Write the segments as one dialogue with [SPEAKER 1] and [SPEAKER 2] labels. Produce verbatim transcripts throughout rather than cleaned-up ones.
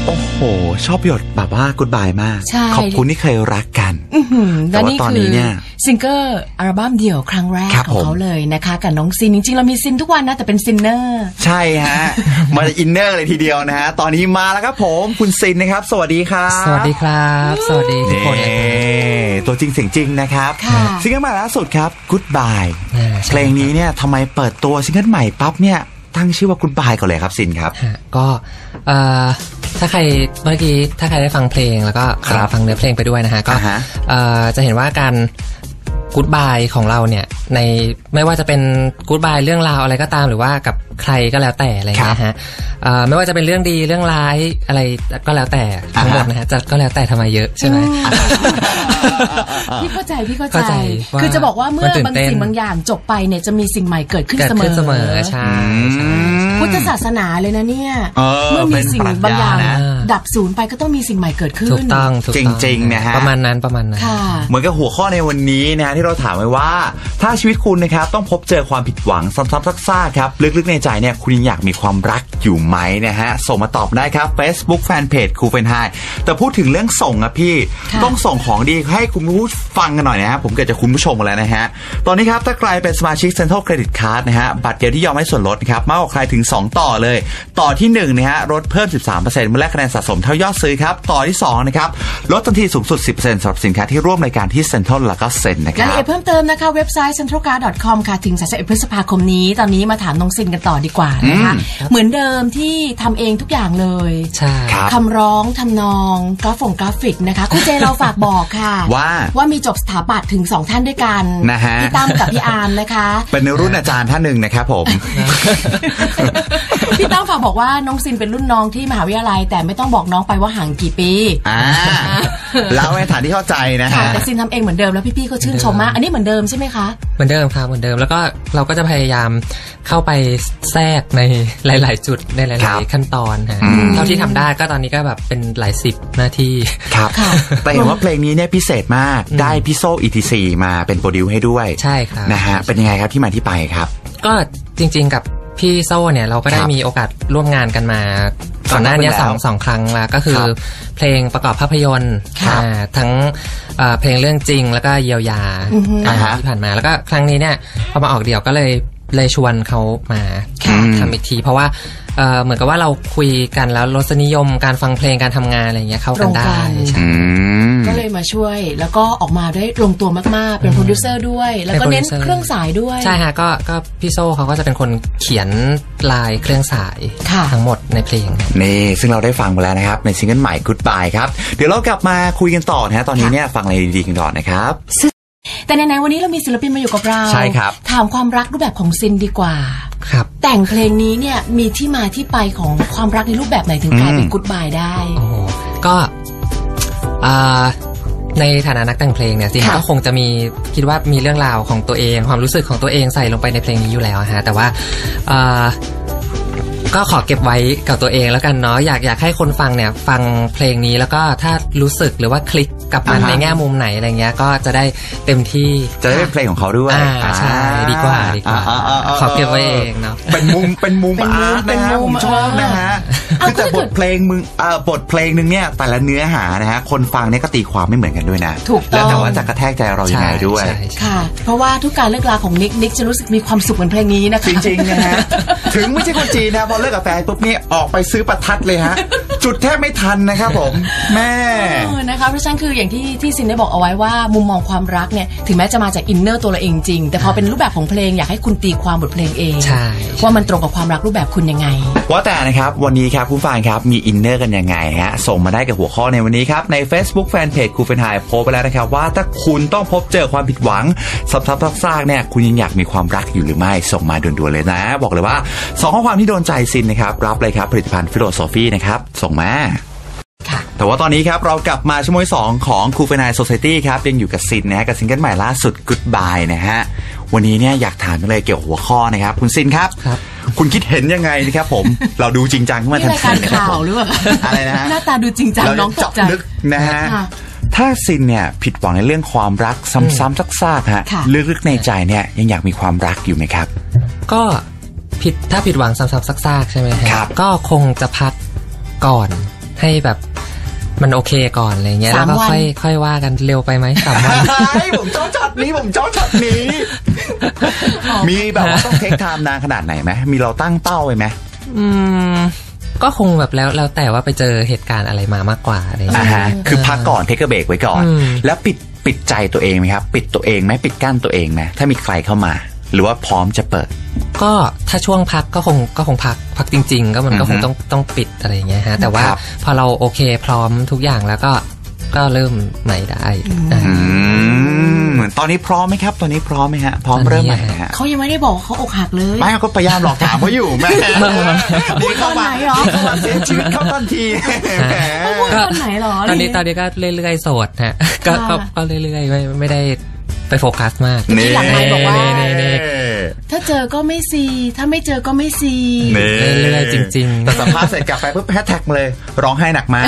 [SPEAKER 1] โอ้โหชอบหยดแบบว่ากู๊ดบายมากขอบคุณที่เคยรักกันแต่ว่าตอนนี้เนี่ย
[SPEAKER 2] ซิงเกิลอัลบั้มเดี่ยวครั้งแรกของเขาเลยนะคะกับน้องซินจริงๆเรามีซินทุกวันนะแต่เป็นซินเนอร์
[SPEAKER 1] ใช่ฮะมาอินเนอร์เลยทีเดียวนะฮะตอนนี้มาแล้วครับผมคุณซินนะครับสวัสดีครับ
[SPEAKER 3] สวัสดีครับสวัสดีทุกคน
[SPEAKER 1] ตัวจริงเสียงจริงนะครับซิงเกิลใหม่ล่าสุดครับ Goodbye เพลงนี้เนี่ยทำไมเปิดตัวซิงเกิลใหม่ปั๊บเนี่ยตั้งชื่อว่า Goodbye ก่อนเลยครับซินครับ
[SPEAKER 3] ก็ถ้าใครเมื่อกี้ถ้าใครได้ฟังเพลงแล้วก็ฟังเนื้อเพลงไปด้วยนะฮะก็จะเห็นว่าการGoodbye ของเราเนี่ยในไม่ว่าจะเป็นGoodbyeเรื่องราวอะไรก็ตามหรือว่ากับใครก็แล้วแต่อะไรนะฮะไม่ว่าจะเป็นเรื่องดีเรื่องร้ายอะไรก็แล้วแต่ทั้งหมดนะฮะจะก็แล้วแต่ทำไมเยอะใช่ไหม
[SPEAKER 2] พี่เข้าใจพี่เข้าใจคือจะบอกว่าเมื่อบางสิ่งบางอย่างจบไปเนี่ยจะมีสิ่งใหม่เกิดขึ้นเสมอ
[SPEAKER 3] เสมอใช่
[SPEAKER 2] พุทธศาสนาเลยนะเนี่ยเมื่อมีสิ่งบางอย่างดับสูญไปก็ต้องมีสิ่งใหม่เกิดขึ้น
[SPEAKER 3] ถูกต้อง
[SPEAKER 1] จริงๆนะฮะ
[SPEAKER 3] ประมาณนั้นประมาณนั้น
[SPEAKER 1] เหมือนกับหัวข้อในวันนี้นะฮะที่เราถามไว้ว่าถ้าชีวิตคุณนะครับต้องพบเจอความผิดหวังซ้ำๆซากๆครับลึกๆในใจเนี่ยคุณยังอยากมีความรักอยู่ไหมนะฮะส่งมาตอบได้ครับ Facebook Fanpage ครูเฟนไฮแต่พูดถึงเรื่องส่งอะพี่ต้องส่งของดีให้คุณผู้ฟังกันหน่อยนะฮะผมเกิดจากคุณผู้ชมแล้วนะฮะตอนนี้ครับถ้าใครเป็นสมาชิก Central Credit Card นะฮะบัตรเดียวที่ยอมให้ส่วนลดนะครับมากกว่าใครถึงสองต่อเลยต่อที่หนึ่งนะฮะลดเพิ่ม สิบสามเปอร์เซ็นต์ เมื่อแลกคะแนนสะสมเท่ายอดซื้อครับต่อที่สองนะครับลดทันทีสูงสุด สิบเปอร์เซ็นต์ สำหรับสินค้าที่ร่วมรายการที่ Central แล้วก็เซ็นนะครับ
[SPEAKER 2] รายละเอียดเพิ่มเติมนะคะเว็บไซต์ เซ็นทรัลการ์ด ดอท คอม ค่ะถึงสามสิบเอ็ดพฤษภาคมนี้ตอนนี้มาถามน้องซินกันต่อดีกว่านะคะเหมือนเดิมที่ทำเองทุกอย่างเลย
[SPEAKER 3] ใช่
[SPEAKER 2] คำร้องทำนองกราฟงกราฟิกนะคะคุณเจเราฝากบอกค่ะ
[SPEAKER 1] ว่า
[SPEAKER 2] ว่ามีจบสถาปัตย์ถึงสองท่านด้วยกัน
[SPEAKER 1] นะฮะ
[SPEAKER 2] พี่ตั้มกับพี่อาร์มนะคะ
[SPEAKER 1] เป็นรุ่นอาจารย์ท่านหนึ่งนะครับผม
[SPEAKER 2] พี่ตั้มฝากบอกว่าน้องซินเป็นรุ่นน้องที่มหาวิทยาลัยแต่ไม่ต้องบอกน้องไปว่าห่างกี่ปี
[SPEAKER 1] อ่าแล้วในฐานที่เข้าใจนะฮะ
[SPEAKER 2] แต่ซินทำเองเหมือนเดิมแล้วพี่ๆก็ชื่นชมมากอันนี้เหมือนเดิมใช่ไหมคะ
[SPEAKER 3] เหมือนเดิมครับเหมือนเดิมแล้วก็เราก็จะพยายามเข้าไปแทรกในหลายๆจุดในหลายๆขั้นตอนฮะเท่าที่ทำได้ก็ตอนนี้ก็แบบเป็นหลายสิบนาที
[SPEAKER 1] ครับแต่เห็นว่าเพลงนี้เนี่ยพิเศษมากได้พี่โซ่ อี ที ซี มาเป็นโปรดิวให้ด้วย
[SPEAKER 3] ใช่ครับ
[SPEAKER 1] นะฮะเป็นยังไงครับที่มาที่ไปครับ
[SPEAKER 3] ก็จริงๆกับพี่โซ่เนี่ยเราก็ได้มีโอกาสร่วมงานกันมาก่อนหน้านี้สองสองครั้งแล้วก็คือเพลงประกอบภาพยนตร์ทั้งเพลงเรื่องจริงแล้วก็เยียวยาที่ผ่านมาแล้วก็ครั้งนี้เนี่ยพอมาออกเดี่ยวก็เลยเลยชวนเขามาทำอีกทีเพราะว่าเหมือนกับว่าเราคุยกันแล้วรสนิยมการฟังเพลงการทำงานอะไรเงี้ยเข้ากันได้
[SPEAKER 2] ก็เลยมาช่วยแล้วก็ออกมาได้ลงตัวมากๆเป็นโปรดิวเซอร์ด้วยแล้วก็เน้นเครื่องสายด้วย
[SPEAKER 3] ใช่ฮะก็ก็พี่โซ่เขาก็จะเป็นคนเขียนลายเครื่องสายทั้งหมดในเพลง
[SPEAKER 1] นี่ซึ่งเราได้ฟังไปแล้วนะครับในซิงเกิลใหม่ Goodbye ครับเดี๋ยวเรากลับมาคุยกันต่อนะฮะตอนนี้เนี่ยฟังอะไรดีๆกันก่อนนะครับ
[SPEAKER 2] แต่ในๆวันนี้เรามีศิลปินมาอยู่กับเรา
[SPEAKER 1] ใช่ครับ
[SPEAKER 2] ถามความรักรูปแบบของซินดีกว่า
[SPEAKER 3] ครับ
[SPEAKER 2] แต่งเพลงนี้เนี่ยมีที่มาที่ไปของความรักในรูปแบบไหนถึงกลายเป็น Goodbye ได้
[SPEAKER 3] โอ้ก็ในฐานะนักแต่งเพลงเนี่ยจริงๆก็คงจะมีคิดว่ามีเรื่องราวของตัวเองความรู้สึกของตัวเองใส่ลงไปในเพลงนี้อยู่แล้วฮะแต่ว่าก็ขอเก็บไว้กับตัวเองแล้วกันเนาะอยากอยากให้คนฟังเนี่ยฟังเพลงนี้แล้วก็ถ้ารู้สึกหรือว่าคลิกกับมันในแง่มุมไหนอะไรเงี้ยก็จะได้เต็มที่
[SPEAKER 1] จะได้เป็นเพลงของเขาด้วย
[SPEAKER 3] ใช่ดีกว่าดีกว่าขอเก็บไว้เองเนาะ
[SPEAKER 1] เป็นมุมเป็นมุมอาร์ตนะฮะผมชอบนะฮะคือแต่บทเพลงมึงบทเพลงนึงเนี่ยแต่ละเนื้อหานะฮะคนฟังเนี่ยก็ตีความไม่เหมือนกันด้วยนะแล้วแต่ว่าจะกระแทกใจเราอย่างไรด้วย
[SPEAKER 2] ค่ะเพราะว่าทุกการเลิกลาของนิกนิกจะรู้สึกมีความสุขเหมือนเพลงนี้นะคะ
[SPEAKER 1] จริงๆนะฮะถึงไม่ใช่คนจีนนะพอเลิกกับแฟนปุ๊บนี่ออกไปซื้อประทัดเลยฮะจุดแทบไม่ทันนะครับผมแม่
[SPEAKER 2] นะคะเพราะฉะนั้นคืออย่างที่ที่ซินได้บอกเอาไว้ว่ามุมมองความรักเนี่ยถึงแม้จะมาจากอินเนอร์ตัวเราเองจริงแต่พอเป็นรูปแบบของเพลงอยากให้คุณตีความบทเพลงเองว่ามันตรงกับความรักรูปแบบคุณยังไง
[SPEAKER 1] ว่าแต่นะครับวันนี้ครับคุณฟังครับมีอินเนอร์กันยังไงฮะส่งมาได้กับหัวข้อในวันนี้ครับใน Facebook Fanpage ครูเฟนไฮโพสต์ไปแล้วนะครับว่าถ้าคุณต้องพบเจอความผิดหวังซ้ำๆซากๆเนี่ยคุณยังอยากมีความรักอยู่หรือไม่ส่งมาด่วนๆเลยนะบอกเลยว่าสองข้อความที่โดนใจซินนะครับรับเลยครับผลิตภัณฑ์ฟิโลโซฟีนะครับส่งมาแต่ว่าตอนนี้ครับเรากลับมาชั่วโมงสองของครูเฟนไฮโซไซตี้ครับยังอยู่กับซินนะฮะกับซิงเกิลใหม่ล่าสุด Goodbye นะฮะวันนี้เนี่ยอยากถามเลยเกี่ยวกับหัวข้อนะครับคุณซินครับคุณคิดเห็นยังไงนะครับผมเราดูจริงจังขึ้นมาทันที
[SPEAKER 2] นะครับข่าวหรือเปล่า
[SPEAKER 1] อะไรนะ
[SPEAKER 2] หน้าตาดูจริงจังน้องตกใจ
[SPEAKER 1] นะฮะถ้าซินเนี่ยผิดหวังในเรื่องความรักซ้ำๆซากๆฮะลึกๆในใจเนี่ยยังอยากมีความรักอยู่ไหมครับ
[SPEAKER 3] ก็ผิดถ้าผิดหวังซ้ำๆซากๆใช่ไหมครับก็คงจะพักก่อนให้แบบมันโอเคก่อนอะไรเงี้ยแล้วก็ค่อยค่อยว่ากันเร็วไปไหมสามวัน
[SPEAKER 1] ผมจ้องช็อตนี้ผมจ้องช็อตนี้ มีแบบว่าต้องเทคไทม์นานขนาดไหนไหมมีเราตั้งเป้าไว้ไหม
[SPEAKER 3] อืมก็คงแบบแล้วแล้วแต่ว่าไปเจอเหตุการณ์อะไรมามากกว่าอะไรอย่างเงี้ย
[SPEAKER 1] คือพักก่อนเทคเบรกไว้ก่อนแล้วปิดปิดใจตัวเองไหมครับปิดตัวเองไหมปิดกั้นตัวเองไหมถ้ามีใครเข้ามาหรือว่าพร้อมจะเปิด
[SPEAKER 3] ก็ถ้าช่วงพักก็คงก็คงพักพักจริงๆก็มันก็คงต้องต้องปิดอะไรอย่างเงี้ยฮะแต่ว่าพอเราโอเคพร้อมทุกอย่างแล้วก็ก็เริ่มใหม่ได้
[SPEAKER 1] เหมือนตอนนี้พร้อมไหมครับตอนนี้พร้อมไหมฮะพร้อมเริ่มใหม่ฮะ
[SPEAKER 2] เขายังไม่ได้บอกเขาอกหักเลย
[SPEAKER 1] ไม่ก็พยายามหลอกถามเขาอยู่แม่
[SPEAKER 2] พูดตอนไหนหรอ
[SPEAKER 1] เสียชีวิตเขาตอนที
[SPEAKER 2] พูดตอนไหนหรอ
[SPEAKER 3] ตอนนี้ตอนนี้ก็เรื่อยๆโสดฮะก็ก็เรื่อยๆไม่ไม่ได้ไปโฟกัสมาก
[SPEAKER 2] นี่หลังไมค์บอกว่าถ้าเจอก็ไม่ซีถ้าไม่เจอก็ไม่ซี
[SPEAKER 3] เรื่อยๆจริงๆ
[SPEAKER 1] แต่สัมภาษณ์เสร็จกลับไปปุ๊บแฮชแท็กเลยร้องไห้หนักมาก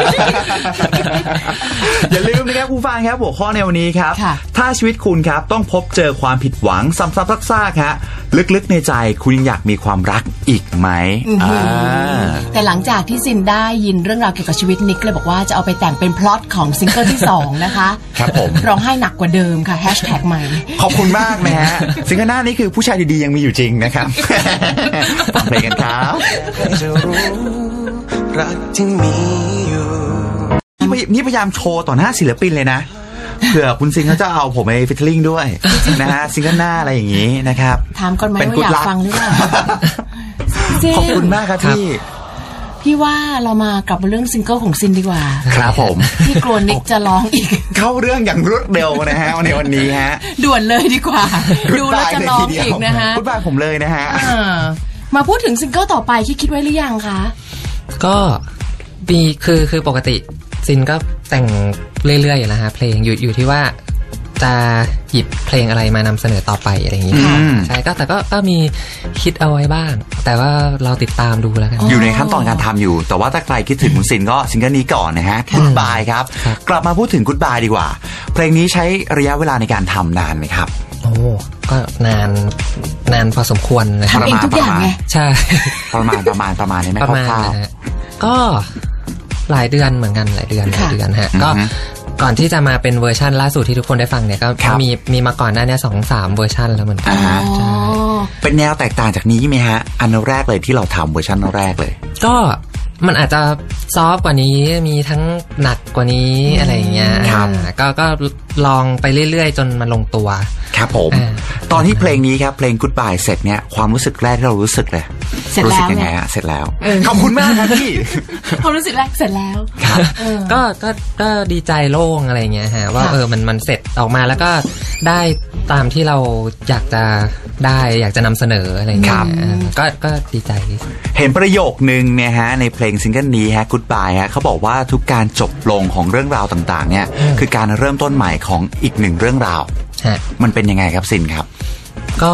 [SPEAKER 1] อย่าลืมนะครับคุณฟังครับหัวข้อในวันนี้ครับถ้าชีวิตคุณครับต้องพบเจอความผิดหวังซ้ำๆซากๆฮะลึกๆในใจคุณยังอยากมีความรักอีกไหม
[SPEAKER 2] แต่หลังจากที่ซินได้ยินเรื่องราวเกี่ยวกับชีวิตนิกเลยบอกว่าจะเอาไปแต่งเป็นพล็อตของซิงเกิลที่สองนะคะ
[SPEAKER 1] ครับผม
[SPEAKER 2] ร้องไห้หนักกว่าเดิมค่ะแฮชแท็กใหม่
[SPEAKER 1] ขอบคุณมากนะฮะซิงเกิลหน้านี้คือผู้ชายดีๆยังมีอยู่จริงนะครับฟังเพลงกันครับจะรู้รักที่มีอยู่นี่พยายามโชว์ต่อหน้าศิลปินเลยนะเผื่อคุณซิงเขาจะเอาผมไปฟิชเชอร์ลิงด้วยนะฮะซิงเกิลหน้าอะไรอย่างนี้นะครับ
[SPEAKER 2] ถามก่อนไหมว่าอยากฟังหรือเปล่า
[SPEAKER 1] ขอบคุณมากครับพี่
[SPEAKER 2] พี่ว่าเรามากลับมาเรื่องซิงเกิลของซินดีกว่า
[SPEAKER 1] ครับผม
[SPEAKER 2] พี่กลัวนิกจะร้องอีก
[SPEAKER 1] เข้าเรื่องอย่างรวดเร็วนะฮะในวันนี้ฮะ
[SPEAKER 2] ด่วนเลยดีกว่าดูแล้วจะร้องอีกนะฮะ
[SPEAKER 1] พูดบ้าผมเลยนะฮะ
[SPEAKER 2] มาพูดถึงซิงเกิลต่อไปคิดคิดไว้หรือยังคะ
[SPEAKER 3] ก็มีคือคือปกติซินก็แต่งเรื่อยๆอยู่แล้วฮะเพลงอยู่อยู่ที่ว่าจะหยิบเพลงอะไรมานำเสนอต่อไปอะไรอย่างนี้ใช่ก็แต่ก็ก็มีคิดเอาไว้บ้างแต่ว่าเราติดตามดูแล้วกัน
[SPEAKER 1] อยู่ในขั้นตอนการทำอยู่แต่ว่าถ้าใครคิดถึงคุณซินก็ซิงเกิลนี้ก่อนนะฮะ Goodbye ครับกลับมาพูดถึง Goodbye ดีกว่าเพลงนี้ใช้ระยะเวลาในการทำนานไหมครับ
[SPEAKER 3] โอ้ก็นานนานพอสมควรนะ
[SPEAKER 2] ทำเองทุกอย่างไง
[SPEAKER 3] ใช่
[SPEAKER 1] ประมาณประมาณประมาณนี้ไหม
[SPEAKER 3] ประมาณก็หลายเดือนเหมือนกันหลายเดือนหลายเดือนฮะก็ก่อนที่จะมาเป็นเวอร์ชันล่าสุดที่ทุกคนได้ฟังเนี่ยก็มีมีมาก่อนหน้านี้สองสามเวอร์ชันแล้วเหมือนกันใช่
[SPEAKER 1] เป็นแนวแตกต่างจากนี้ไหมฮะอันแรกเลยที่เราทำเวอร์ชันแรกเลย
[SPEAKER 3] ก็มันอาจจะซอฟต์กว่านี้มีทั้งหนักกว่านี้อะไรอย่างเงี้ยก็ก็ลองไปเรื่อยๆจนมันลงตัว
[SPEAKER 1] ครับผมตอนที่เพลงนี้ครับเพลง Goodbye เสร็จเนี่ยความรู้สึกแรกที่เรารู้สึกเลยรู้สึกยังไงฮะเสร็จแล้วขอบคุณมากครับพี่
[SPEAKER 2] ความรู้สึกแรกเสร็จแล้ว
[SPEAKER 3] ก็ก็ก็ดีใจโล่งอะไรเงี้ยฮะว่าเออมันมันเสร็จออกมาแล้วก็ได้ตามที่เราอยากจะได้อยากจะนำเสนออะไรเงี้ยก็ก็ดีใจ
[SPEAKER 1] เห็นประโยคนึงเนี่ยฮะในเพลงซิงเกิลนี้ฮะ Goodbye ฮะเขาบอกว่าทุกการจบลงของเรื่องราวต่างๆเนี่ยคือการเริ่มต้นใหม่ของอีกหนึ่งเรื่องราวมันเป็นยังไงครับซินครับ
[SPEAKER 3] ก็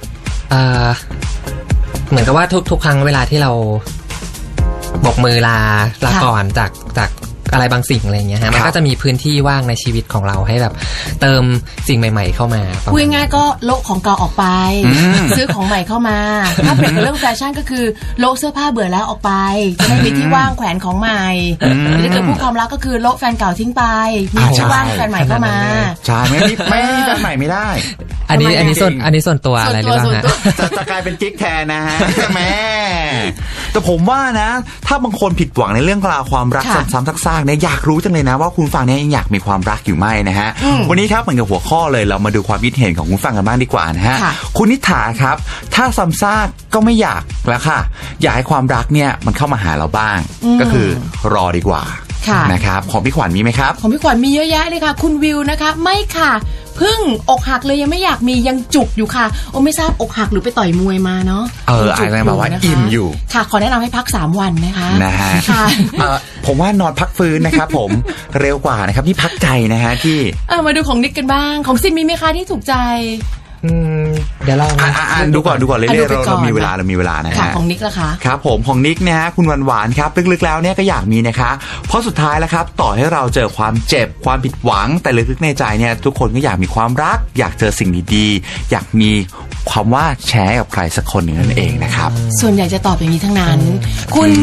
[SPEAKER 3] เหมือนกับว่าทุกทุกครั้งเวลาที่เราบกมือลาลาก่อนจากจากอะไรบางสิ่งอะไรเงี้ยฮะมันก็จะมีพื้นที่ว่างในชีวิตของเราให้แบบเติมสิ่งใหม่ๆเข้ามา
[SPEAKER 2] พูดง่ายๆก็โลกของเก่าออกไปซื้อของใหม่เข้ามาถ้าเปรียบกับเรื่องแฟชั่นก็คือโลกเสื้อผ้าเบื่อแล้วออกไปจะได้มีที่ว่างแขวนของใหม่ถ้าเกิดพูดความรักก็คือโลกแฟนเก่าทิ้งไปมีที่ว่างแฟนใหม่เข้ามา
[SPEAKER 1] ใช่ไม่ไม่แฟนใหม่ไม่ได้
[SPEAKER 3] อันนี้อันนี้ส่วนอันนี้ส่วนตัวอะไรหรือเปล่าฮะ
[SPEAKER 1] จะจะกลายเป็นกิ๊กแทนนะฮะแม่แต่ผมว่านะถ้าบางคนผิดหวังในเรื่องราวความรักซ้ำๆซากๆเนี่ยอยากรู้จังเลยนะว่าคุณฟังเนี่ยยังอยากมีความรักอยู่ไหมนะฮะวันนี้ครับเหมือนกับหัวข้อเลยเรามาดูความคิดเห็นของคุณฟังกันบ้างดีกว่านะฮะคุณนิถาครับถ้าซ้ำซากก็ไม่อยากแล้วค่ะอยากให้ความรักเนี่ยมันเข้ามาหาเราบ้างก็คือรอดีกว่านะครับของพี่ขวัญมีไหมครับ
[SPEAKER 2] ของพี่ขวัญมีเยอะแยะเลยค่ะคุณวิวนะคะไม่ค่ะเพิ่งอกหักเลยยังไม่อยากมียังจุกอยู่ค่ะโอ้ไม่ทราบอกหักหรือไปต่อยมวยมาเนาะ
[SPEAKER 1] เอออะไรมาว่าอิ่มอยู่
[SPEAKER 2] ค่ะขอแนะนำให้พักสามวันนะคะ
[SPEAKER 1] นะฮะค่ะผมว่านอนพักฟื้นนะครับผมเร็วกว่านะครับที่พักใจนะฮะที่
[SPEAKER 2] มาดูของนิกกันบ้างของซินมีไหมคะที่ถูกใจ
[SPEAKER 3] เดี๋ยวเรา
[SPEAKER 1] อ่านดูก่อนดูก่อนเรื่อยๆเรามีเวลาเรามีเวลานะฮะ
[SPEAKER 2] ของนิกล่ะคะ
[SPEAKER 1] ครับผมของนิกนะฮะคุณหวานหวานครับลึกๆแล้วเนี่ยก็อยากมีนะคะเพราะสุดท้ายแล้วครับต่อให้เราเจอความเจ็บความผิดหวังแต่ลึกๆในใจเนี่ยทุกคนก็อยากมีความรักอยากเจอสิ่งดีๆอยากมีความว่าแชร์กับใครสักคนหนึ่งนั่นเองนะครับ
[SPEAKER 2] ส่วนใหญ่จะตอบอย่างนี้ทั้งนั้นคุณ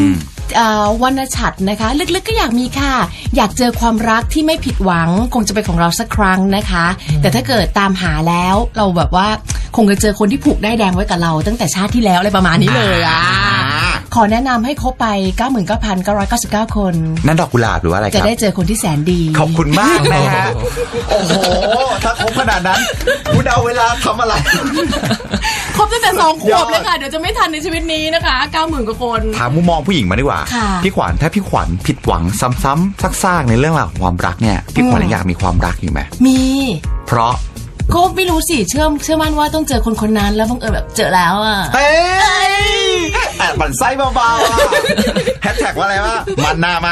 [SPEAKER 2] วรรณฉัตรนะคะลึกๆก็อยากมีค่ะอยากเจอความรักที่ไม่ผิดหวังคงจะเป็นของเราสักครั้งนะคะแต่ถ้าเกิดตามหาแล้วเราแบบว่าคงจะเจอคนที่ผูกได้แดงไว้กับเราตั้งแต่ชาติที่แล้วอะไรประมาณนี้เลยอ่ะขอแนะนำให้คบไป เก้าหมื่นเก้าพันเก้าร้อยเก้าสิบเก้า คน
[SPEAKER 1] นั่นดอกกุหลาบหรือว่าอะไรครับ
[SPEAKER 2] จะได้เจอคนที่แสนดี
[SPEAKER 1] ขอบคุณมากนะฮะโอ้โหถ้าคบขนาดนั้นคุณเอาเวลาทำอะไร
[SPEAKER 2] ครบตั้งแต่สองขวบเลยค่ะเดี๋ยวจะไม่ทันในชีวิตนี้นะคะ เก้าหมื่น กว่าคน
[SPEAKER 1] ถามมุมมองผู้หญิงมาดีกว่าพี่ขวัญถ้าพี่ขวัญผิดหวังซ้ำๆซากๆในเรื่องราวของความรักเนี่ยพี่ขวัญอยากมีความรักอยู่ไหมมีเพราะ
[SPEAKER 2] ก็ไม่รู้สิเชื่อเชื่อมั่นว่าต้องเจอคนคนนั้นแล้วบังเอิญแบบเจอแล้วอ่ะ
[SPEAKER 1] เอ้ยแอบปั่นไส้เบาๆอ่ะแฮชแท็กว่าอะไรวะมันหน้ามา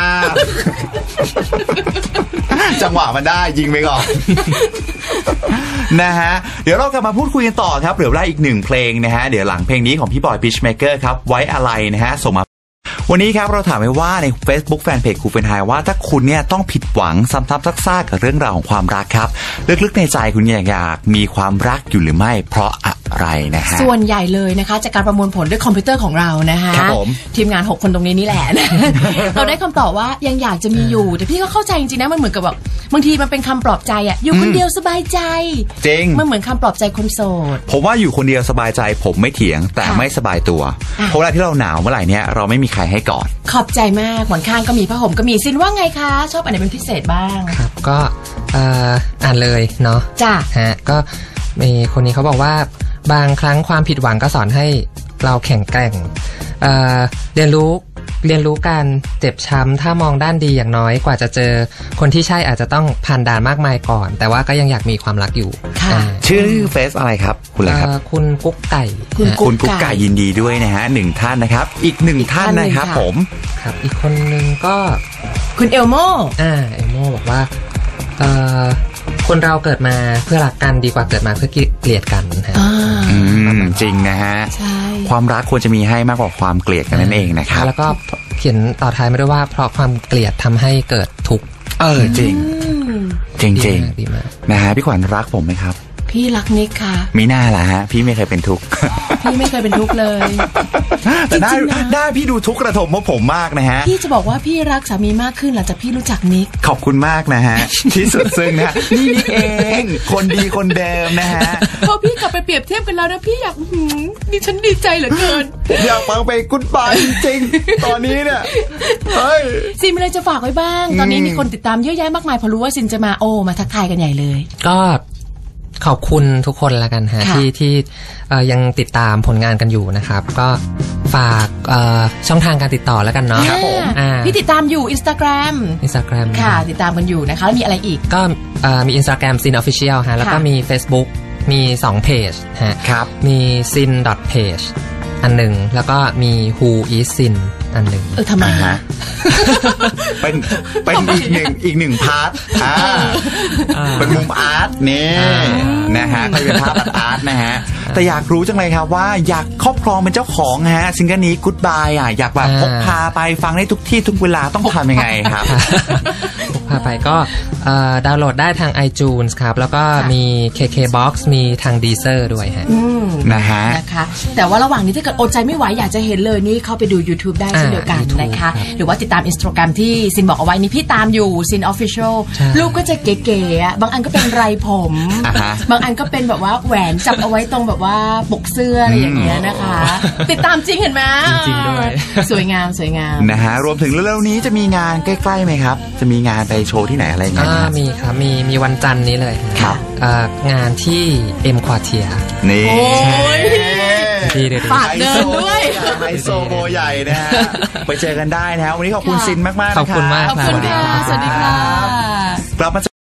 [SPEAKER 1] จังหวะมันได้ยิงไปก่อนนะฮะเดี๋ยวเรากลับมาพูดคุยกันต่อครับเหลือเวลาอีกหนึ่งเพลงนะฮะเดี๋ยวหลังเพลงนี้ของพี่บอยพิชเมเกอร์ครับไว้อะไรนะฮะส่งมาวันนี้ครับเราถามไว้ว่าใน Facebook Fanpage ครูเฟรนไฮว่าถ้าคุณเนี่ยต้องผิดหวังซ้ำๆซากๆกับเรื่องราวของความรักครับลึกๆในใจคุณอยากอยากมีความรักอยู่หรือไม่เพราะอะไรนะฮะ
[SPEAKER 2] ส่วนใหญ่เลยนะคะจากการประมวลผลด้วยคอมพิวเตอร์ของเรานะคะทีมงานหกคนตรงนี้นี่แหละ เราได้คำตอบว่ายังอยากจะมีอยู่แต่พี่ก็เข้าใจจริงๆนะมันเหมือนกับแบบบางทีมันเป็นคำปลอบใจอ่ะอยู่คนเดียวสบายใจ
[SPEAKER 1] จริง
[SPEAKER 2] มันเหมือนคำปลอบใจคนโสด
[SPEAKER 1] ผมว่าอยู่คนเดียวสบายใจผมไม่เถียงแต่ไม่สบายตัวเพราะเวลาที่เราหนาวเมื่อไหร่เนี่ยเราไม่มีใครให้กอด
[SPEAKER 2] ขอบใจมากหมอนข้างก็มีผ้าห่มก็มีซินว่าไงคะชอบอันไหนเป็นพิเศษบ้าง
[SPEAKER 3] ครับก็อ่านเลยเนาะ
[SPEAKER 2] จ้ะ
[SPEAKER 3] ฮะก็มีคนนี้เขาบอกว่าบางครั้งความผิดหวังก็สอนให้เราแข็งแกร่ง เ, เรียนรู้เรียนรู้การเจ็บช้ำถ้ามองด้านดีอย่างน้อยกว่าจะเจอคนที่ใช่อาจจะต้องผ่านด่านมากมายก่อนแต่ว่าก็ยังอยากมีความรักอยู่
[SPEAKER 1] ชื่อเฟซอะไรครับคุณอะไรครับ
[SPEAKER 3] คุณกุ๊กไก่
[SPEAKER 1] คุณกุ๊กไก่ยินดีด้วยนะฮะหนึ่งท่านนะครับอีกหนึ่งท่านนะครับผม
[SPEAKER 3] ครับอีกคนนึงก็
[SPEAKER 2] คุณเอลโม
[SPEAKER 3] อ่าเอลโมบอกว่าเอ่อคนเราเกิดมาเพื่อรักกันดีกว่าเกิดมาเพื่อเกลียดกันฮะ
[SPEAKER 1] อืมจริงนะฮะความรักควรจะมีให้มากกว่าความเกลียดกันนั่นเองนะครับ
[SPEAKER 3] แล้วก็เขียนต่อท้ายมาด้วยว่าเพราะความเกลียดทำให้เกิดทุกข์
[SPEAKER 1] เออจริงจริงจริงนะฮะพี่ขวัญรักผมไหมครับ
[SPEAKER 2] พี่รักนิกค่ะ
[SPEAKER 1] มีหน้าล่ะฮะพี่ไม่เคยเป็นทุกข์
[SPEAKER 2] พี่ไม่เคยเป็นทุกข์เลย
[SPEAKER 1] แต่ได้ได้พี่ดูทุกข์กระทมเพราะผมมากนะฮะ
[SPEAKER 2] พี่จะบอกว่าพี่รักสามีมากขึ้นหลังจากพี่รู้จักนิก
[SPEAKER 1] ขอบคุณมากนะฮะที่สุดซึ้งนะนี่นิกเองคนดีคนเดิมนะฮะ
[SPEAKER 2] พอพี่กลับไปเปรียบเทียบกันแล้วนะพี่อยากดิฉันดีใจเหลือเกิน
[SPEAKER 1] อยากฟังไปกุ๊ดบายจริงๆตอนนี้เนี่ยเฮ้ย
[SPEAKER 2] ซินมีอะไรจะฝากไว้บ้างตอนนี้มีคนติดตามเยอะแยะมากมายพอรู้ว่าซินจะมาโอ้มาทักทายกันใหญ่เลย
[SPEAKER 3] ก็ขอบคุณทุกคนละกันฮะที่ที่ยังติดตามผลงานกันอยู่นะครับก็ฝากช่องทางการติดต่อแล้วกันเนาะ
[SPEAKER 2] ครับผมพี่ติดตามอยู่ Instagram
[SPEAKER 3] Instagram
[SPEAKER 2] ค่ะติดตามกันอยู่นะคะแล้วมีอะไรอีก
[SPEAKER 3] ก็มี Instagram Sin Official ฮะแล้วก็มี Facebook มีสองเพจฮะ
[SPEAKER 1] ครับ
[SPEAKER 3] มี sin page อันหนึ่งแล้วก็มี Who is Sin อันหนึ่ง
[SPEAKER 2] เออทำไมฮะ
[SPEAKER 1] เป็นเป็นอีกหนึ่งอีกหนึ่งพาร์ทอ่าเป็นมุมอาร์ตนี่นะฮะก็เป็นภาพอาร์ตนะฮะแต่อยากรู้จังเลยครับว่าอยากครอบครองเป็นเจ้าของฮะซิงเกิลนี้ Goodbye อ่ะอยากแบบพกพาไปฟังได้ทุกที่ทุกเวลาต้องทำยังไงครับ
[SPEAKER 3] พกพาไปก็ดาวน์โหลดได้ทาง iTunes ครับแล้วก็มี เค เค บ็อกซ์ มีทาง Deezer ด้วยฮะ
[SPEAKER 1] นะฮะ
[SPEAKER 2] นะคะแต่ว่าระหว่างนี้ถ้าเกิดอดใจไม่ไหวอยากจะเห็นเลยนี่เข้าไปดู YouTube ได้เช่นเดียวกันนะคะหรือว่าติดตาม Instagram ที่ซินบอกเอาไว้นี่พี่ตามอยู่ Sin Official รูปก็จะเก๋ๆอ่ะบางอันก็เป็นไรผมบางอันก็เป็นแบบว่าแหวนจับเอาไว้ตรงแบบว่าปกเสื้ออะไรอย่างเงี้ยนะคะติดตามจริงเห็นไหม
[SPEAKER 3] จริงด้วย
[SPEAKER 2] สวยงามสวยงาม
[SPEAKER 1] นะฮะรวมถึงเร็วๆนี้จะมีงานใกล้ๆไหมครับจะมีงานไปโชว์ที่ไหนอะไรเงี้ย
[SPEAKER 3] มีครับมีมีวันจันทร์นี้เลย
[SPEAKER 1] ครับ
[SPEAKER 3] งานที่ M Quartier
[SPEAKER 1] นี่
[SPEAKER 2] ฝากเดินด้วย
[SPEAKER 1] ไฮโซโบใหญ่นะฮะไปเจอกันได้นะฮะวันนี้ขอบคุณซินมากๆ
[SPEAKER 3] ขอบคุณมาก
[SPEAKER 2] ขอบคุณค่ะสวัสดีค่ะกลับมา